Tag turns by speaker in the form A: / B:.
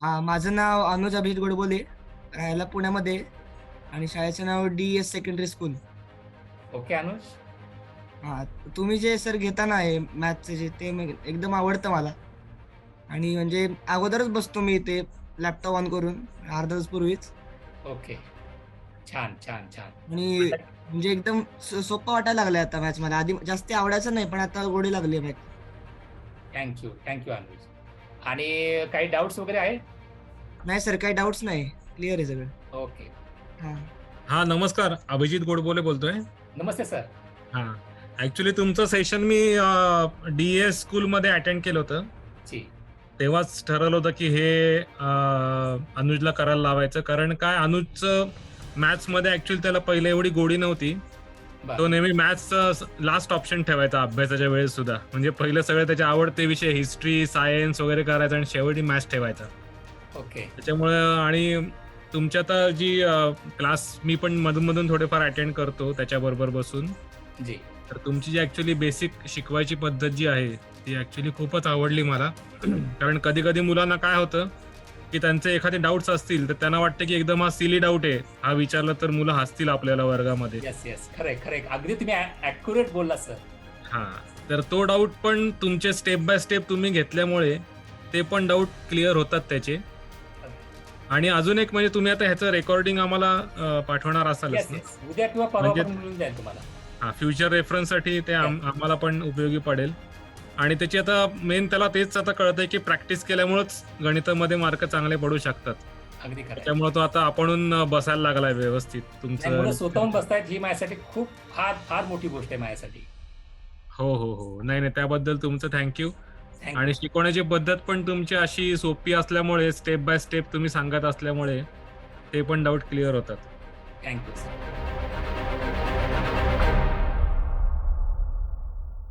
A: माझं नाव अनुज अभिजित गोडबोले, राहायला पुण्यामध्ये आणि शाळेचं नाव DS. Secondary school.
B: Okay Anuj.
A: हां, तुम्ही जे सर घेता ना हे मॅथ्सचे ते एकदम आवडतं मला आणि म्हणजे अगोदरच बसतो मी इथे लॅपटॉप ऑन करून अर्धा तास पूर्वीच
B: ओके. छान, छान, छान.
A: आणि
B: आता
A: म्हणजे एकदम सोपं वाटायला लागलंय आता मॅथ्स मला. आधी जास्त आवडायचं नाही, पण आता गोडी लागली मॅथ्स.
B: Thank you Anuj. आणि काही डाउट्स वगैरे आहे?
A: नाही सर, काही डाऊट्स नाही. क्लिअर आहे सगळं.
B: ओके.
A: हां.
C: हा नमस्कार, अभिजित गोडबोले बोलतोय.
B: नमस्ते सर.
C: हा ऍक्च्युली तुमचं सेशन मी डी.एस. स्कूलमध्ये अटेंड केलं होतं.
B: जी.
C: तेव्हाच ठरवलं होतं की हे अनुजला करायला लावायचं, कारण काय अनुजचं मॅथ्समध्ये ऍक्च्युली त्याला पहिले एवढी गोडी नव्हती. तो
B: बरं.
C: नेहमी मॅथ्सचं लास्ट ऑप्शन ठेवायचा अभ्यासाच्या वेळेस सुद्धा. म्हणजे पहिले सगळे त्याचे आवडते विषय हिस्ट्री, सायन्स वगैरे करायचा आणि शेवटी मॅथ्स ठेवायचा.
B: ओके.
C: त्याच्यामुळे आणि तुमची आता जी क्लास मी पण मधून थोडेफार अटेंड करतो त्याच्याबरोबर बसून.
B: जी.
C: तर तुमची जी ऍक्च्युली बेसिक शिकवायची पद्धत जी आहे ती ऍक्च्युली खूपच आवडली मला. कारण कधी कधी मुलांना काय होतं की त्यांचे एखादे डाऊट्स असतील तर त्यांना वाटतं की एकदम हा सिली डाऊट आहे, हा विचारला तर मुलं हसतील आपल्याला वर्गामध्ये.
B: येस. खरंय. अगदी तुम्ही ॲक्युरेट बोलला सर.
C: हा, तर तो डाऊट पण तुमचे स्टेप बाय स्टेप तुम्ही घेतल्यामुळे ते पण डाऊट क्लिअर होतात त्याचे. आणि अजून एक म्हणजे तुम्ही आता ह्याचं रेकॉर्डिंग आम्हाला पाठवणार असालच ना?
B: येस. उद्या किंवा परवा
C: म्हणजे
B: पण मिळून जाईल तुम्हाला.
C: हा, फ्युचर रेफरन्ससाठी ते आम्हाला पण उपयोगी पडेल. आणि त्याची आता मेन त्याला तेच आता कळतंय की प्रॅक्टिस केल्यामुळेच गणितामध्ये मार्क चांगले पडू शकतात.
B: अगदी खरं.
C: त्याच्यामुळे तो आता आपणून बसायला लागलाय व्यवस्थित
B: मुलं स्वतःहून
C: तुमचं.
B: बसतायत ही माझ्यासाठी खूप फार मोठी गोष्ट आहे माझ्यासाठी.
C: हो. नाही, त्याबद्दल तुमचं थँक्यू.
B: थँक्यू.
C: आणि शिकवण्याची पद्धत पण तुमची अशी सोपी असल्यामुळे, स्टेप बाय स्टेप तुम्ही सांगत असल्यामुळे ते पण डाऊट क्लिअर होतात.
B: Thank you sir.